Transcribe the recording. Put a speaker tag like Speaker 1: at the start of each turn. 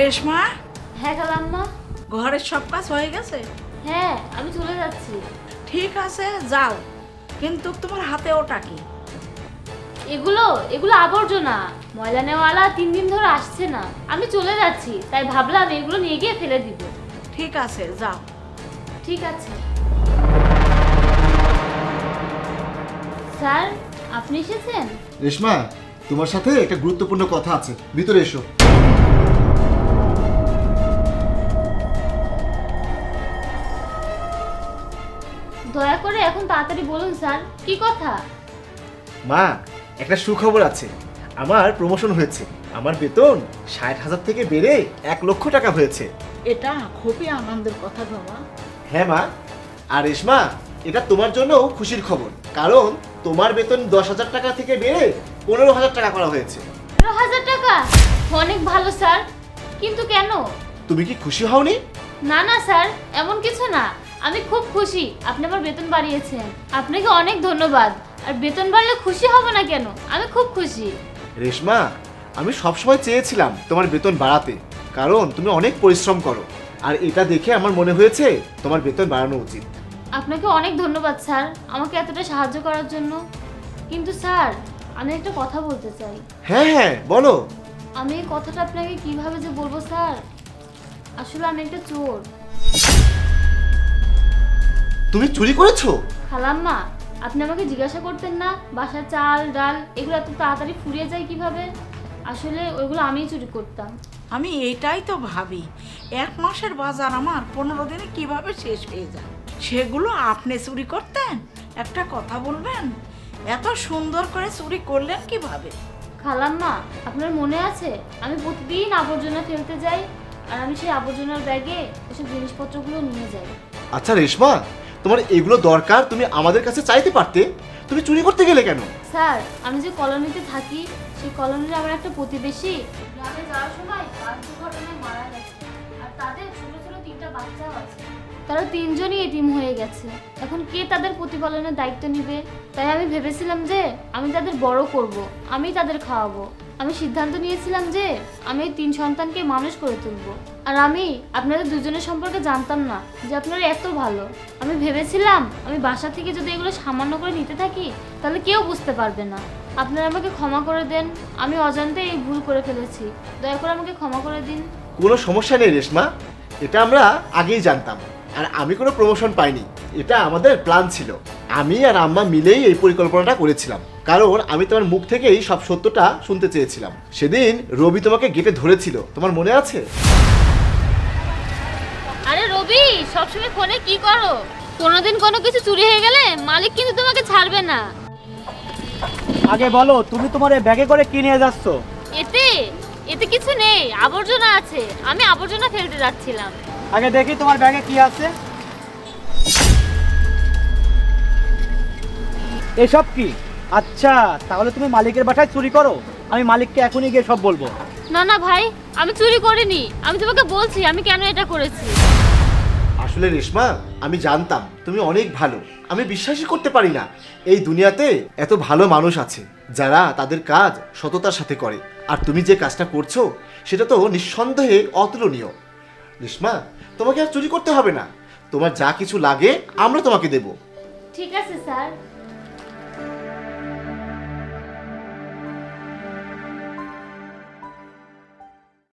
Speaker 1: রেশমা,
Speaker 2: হ্যাঁ খালাম্মা।
Speaker 1: ঘরের সব কাজ হয়ে গেছে?
Speaker 2: হ্যাঁ, আমি চলে যাচ্ছি।
Speaker 1: ঠিক আছে, যাও, কিন্তু তোমার হাতে ওটা কি?
Speaker 2: এগুলো এগুলো আবর্জনা, ময়লা নেওয়ালা 3 দিন ধরে আসছে না। আমি চলে যাচ্ছি, তাই ভাবলাম এগুলো নিয়ে গিয়ে ফেলে দিব।
Speaker 1: ঠিক আছে, যাও।
Speaker 2: ঠিক আছে স্যার, আপনি এসেছেন?
Speaker 3: রেশমা, তোমার সাথে একটা গুরুত্বপূর্ণ কথা আছে, ভিতরে এসো।
Speaker 2: দয়া করে এখন তাড়াতাড়ি বলুন স্যার, কি কথা?
Speaker 3: মা, একটা সুখবর আছে। আমার প্রমোশন হয়েছে। আমার বেতন 60,000 থেকে বেড়ে 1,00,000 টাকা হয়েছে।
Speaker 1: এটা খুবই আনন্দের কথা বাবা।
Speaker 3: হ্যাঁ মা, আর রেশমা, এটা তোমার জন্যও খুশির খবর, কারণ তোমার বেতন 10,000 টাকা থেকে বেড়ে 15,000 টাকা করা হয়েছে।
Speaker 2: 15,000 টাকা? অনেক ভালো স্যার, কিন্তু কেন?
Speaker 3: তুমি কি খুশি হওনি?
Speaker 2: না না স্যার, এমন কিছু না। আমি খুব খুশি আপনি আমার বেতন বাড়িয়েছেন। আপনাকে অনেক ধন্যবাদ। আর বেতন বাড়লে খুশি হব না কেন? আমি খুব খুশি।
Speaker 3: রেশমা, আমি সবসময় চেয়েছিলাম তোমার বেতন বাড়াতে, কারণ তুমি অনেক পরিশ্রম করো, আর এটা দেখে আমার মনে হয়েছে তোমার বেতন বাড়ানো উচিত।
Speaker 2: আপনাকে অনেক ধন্যবাদ স্যার, আমাকে এতটা সাহায্য করার জন্য। কিন্তু স্যার, আমি একটা কথা বলতে চাই।
Speaker 3: হ্যাঁ হ্যাঁ, বলো।
Speaker 2: আমি এই কথাটা আপনাকে কিভাবে যে বলবো স্যার, আসলে আমি একটা চোর।
Speaker 3: তুমি চুরি করেছো?
Speaker 2: খালাম্মা, আপনি আমাকে জিজ্ঞাসা করতেন না বাসার চাল ডাল এগুলো এত তাড়াতাড়ি ফুরিয়ে যায় কিভাবে? আসলে ওইগুলো আমিই চুরি করতাম।
Speaker 1: আমি এটাই তো ভাবি, 1 মাসের বাজার আমার 15 দিনে কিভাবে শেষ হয়ে যায়। সেগুলো আপনি চুরি করতেন? একটা কথা বলবেন, এত সুন্দর করে চুরি করলেন কিভাবে?
Speaker 2: খালাম্মা, আপনার মনে আছে আমি প্রতিদিন আবর্জনা ফেলতে যাই, আর আমি সেই আবর্জনার ব্যাগে ওসব জিনিসপত্রগুলো নিয়ে যাই।
Speaker 3: আচ্ছা রেশমা, তোমার এগুলো দরকার, তুমি আমাদের কাছে চাইতে পারতে। তুমি চুরি করতে গেলে কেন?
Speaker 2: স্যার, আমি যে কলোনিতে থাকি, সেই কলোনির আমার একটা প্রতিবেশী গ্রামে যাওয়ার সময় বাস দুর্ঘটনায় মারা গেছে, আর তাদের ছোট ছোট 3টা বাচ্চাও আছে। তারা 3জনই এতিম হয়ে গেছে। এখন কে তাদের প্রতিপালনের দায়িত্ব নেবে? তাই আমি ভেবেছিলাম যে আমি তাদের বড় করব, আমি তাদের খাওয়াবো। আমি সিদ্ধান্ত নিয়েছিলাম যে আমি এই 3 সন্তানকে মানুষ করে তুলবো। আর আমি আপনাদের দুজনের সম্পর্কে জানতাম না যে আপনারা এত ভালো। আমি ভেবেছিলাম আমি বাসা থেকে যদি এগুলো সামান্য করে নিতে থাকি তাহলে কেউ বুঝতে পারবে না। আপনারা আমাকে ক্ষমা করে দেন, আমি অজান্তে এই ভুল করে ফেলেছি। দয়া করে আমাকে ক্ষমা করে দিন।
Speaker 3: কোনো সমস্যা নেই রেশমা, এটা আমরা আগেই জানতাম। আর আমি কোনো প্রমোশন পাইনি, এটা আমাদের প্ল্যান ছিল। আমি আর আম্মা মিলেই এই পরিকল্পনাটা করেছিলাম, কারণ আমি তোমার মুখ থেকেই সব সত্যটা শুনতে চেয়েছিলাম। সেদিন রবি তোমাকে গেটে ধরেছিল, তোমার মনে আছে?
Speaker 2: আরে রবি, সবসময় ফোনে কি করো? কোনোদিন কোনো কিছু চুরি হয়ে গেলে মালিক কিন্তু তোমাকে ছাড়বে না।
Speaker 4: আগে বলো, তুমি তোমার এই ব্যাগে করে কি নিয়ে যাচ্ছ?
Speaker 2: এতে এতে কিছু নেই, আবর্জনা আছে। আমি আবর্জনা ফেলতে যাচ্ছিলাম।
Speaker 4: আগে দেখি তোমার ব্যাগে কি আছে। এসব কি? আচ্ছা, তাহলে তুমি মালিকের বাসায় চুরি করো? আমি মালিককে এখনই গিয়ে সব বলবো।
Speaker 2: না না ভাই, আমি চুরি করিনি। আমি তোমাকে বলছি আমি কেন এটা করেছি।
Speaker 3: আসলে রেশমা, আমি জানতাম তুমি অনেক ভালো। আমি বিশ্বাসই করতে পারি না এই দুনিয়াতে এত ভালো মানুষ আছে যারা তাদের কাজ সততার সাথে করে। আর তুমি যে কাজটা করছো সেটা তো নিঃসন্দেহে অতুলনীয়। রেশমা, তোমাকে আর চুরি করতে হবে না। তোমার যা কিছু লাগে আমরা তোমাকে দেব।
Speaker 2: ঠিক আছে স্যার।